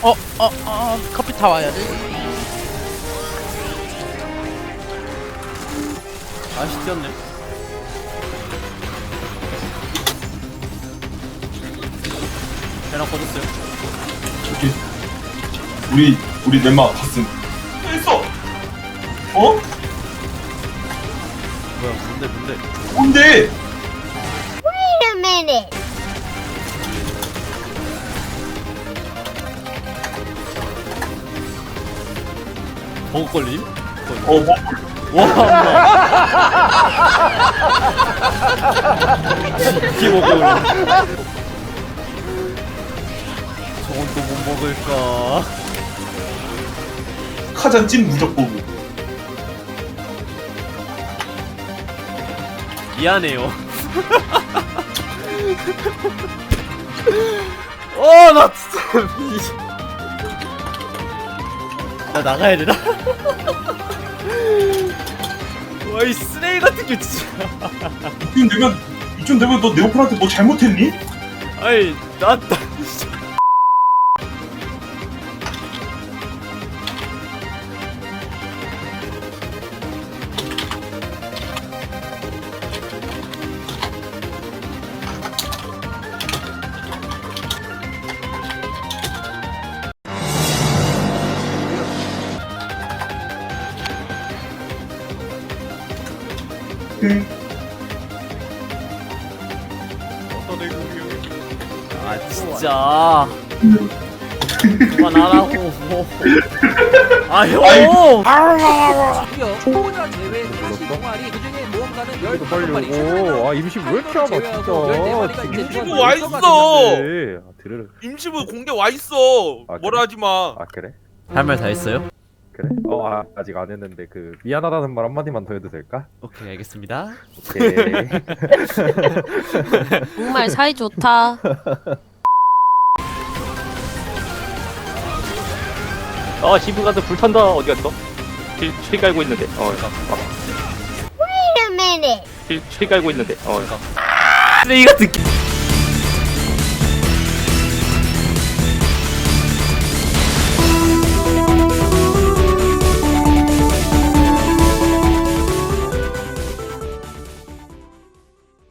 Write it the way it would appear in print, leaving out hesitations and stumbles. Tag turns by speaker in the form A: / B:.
A: 커피 타 와야 돼.
B: 아씨 뛰었네. 배랑 꺼졌어요.
C: 저기 우리 넷마 갔음. 있어. 어?
B: 뭐야 뭔데?
C: 뭔데?
D: Wait a minute.
B: 버그 걸림?
C: 뭐?
B: 와 기먹어. 저건 또 못 먹을까?
C: 카잔 찐 무적보고.
B: 미안해요. 나 진짜 나 나가야 되나? 와 이 쓰레기 같은 게 진짜.
C: 이쯤 되면 너 네오플한테 뭐 잘못했니?
B: 아이 나 진짜. 아 진짜 그만하라고. 아 형.
E: 드디어 초보자 제외 다시 동아리 그중에 모험가는 15마리
F: 아 임시 왜 이렇게 하나 진짜.
G: 임시부 와 있어.
F: 들으러.
G: 임시부 공개 와 있어.
F: 아,
G: 뭐라 하지 마.
F: 아 그래?
B: 할 말 다 했어요?
F: 그래? 아직 안 했는데 그 미안하다는 말 한마디만 더 해도 될까?
B: 오케이 알겠습니다.
F: 오케이.
D: 정말 사이 좋다.
H: 시부 가서 불 탄다. 어디 갔어? 실 깔고 있는데.
D: Wait a minute.
H: 실 깔고 있는데.
B: 쓰레기 같은 게.